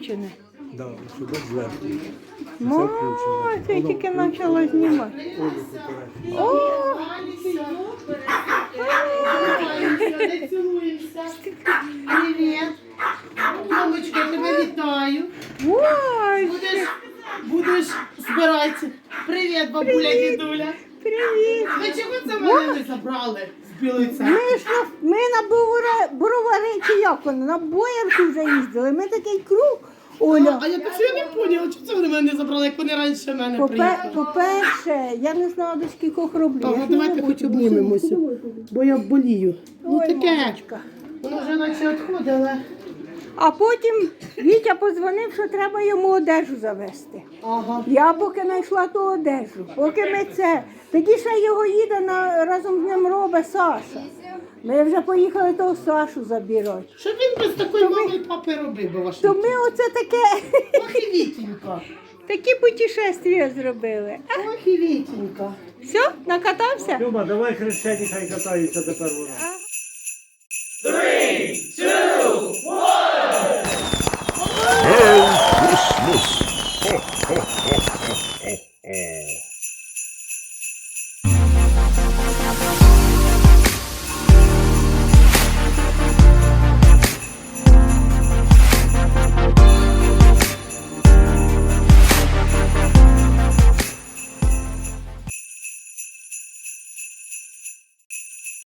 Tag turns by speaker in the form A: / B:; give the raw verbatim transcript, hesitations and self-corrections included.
A: включене.
B: Да, сюди зверху.
A: Ой, це я тільки почала знімати. О!
C: Не цілуємося. Привіт. Мамочка, я тебе вітаю.
A: Ой,
C: Будеш, будеш збиратися. Привіт, бабуля, дідуля.
A: привіт!
C: Ви чого це мене не забрали з Білої
A: Ми
C: церкви?
A: ж на, ми на Бровари, Бровари, чи як воно, на Боярку вже їздили. Ми такий круг, Оля.
C: А я так що я не поняла, чому це вони мене не забрали, як вони раніше мене
A: Попе-
C: приїхали.
A: По-перше, я не знала до скількох роблю.
C: Ага,
A: Я ж
C: давайте
A: не
C: хоч
A: роблю.
C: обнімемося, бо я болію. Ну
A: Ой,
C: таке,
A: мамочка.
C: воно вже наче відходило.
A: А потім Вітя подзвонив, що треба йому одежу завести.
C: Ага.
A: Я поки знайшла ту одежу, поки ми це. Тоді ще його їде на, разом з ним робить Саша. Ми вже поїхали того Сашу забирати.
C: Що він без такої мами і папи робив би ваш?
A: То ми оце таке,
C: Ох і Вітенька.
A: такі путешествия зробили.
C: Ох і Вітенька.
A: Все, накатався?
B: Люба, давай хрещені хай катаються тепер вона.
D: Merry Christmas! Ho, ho, ho.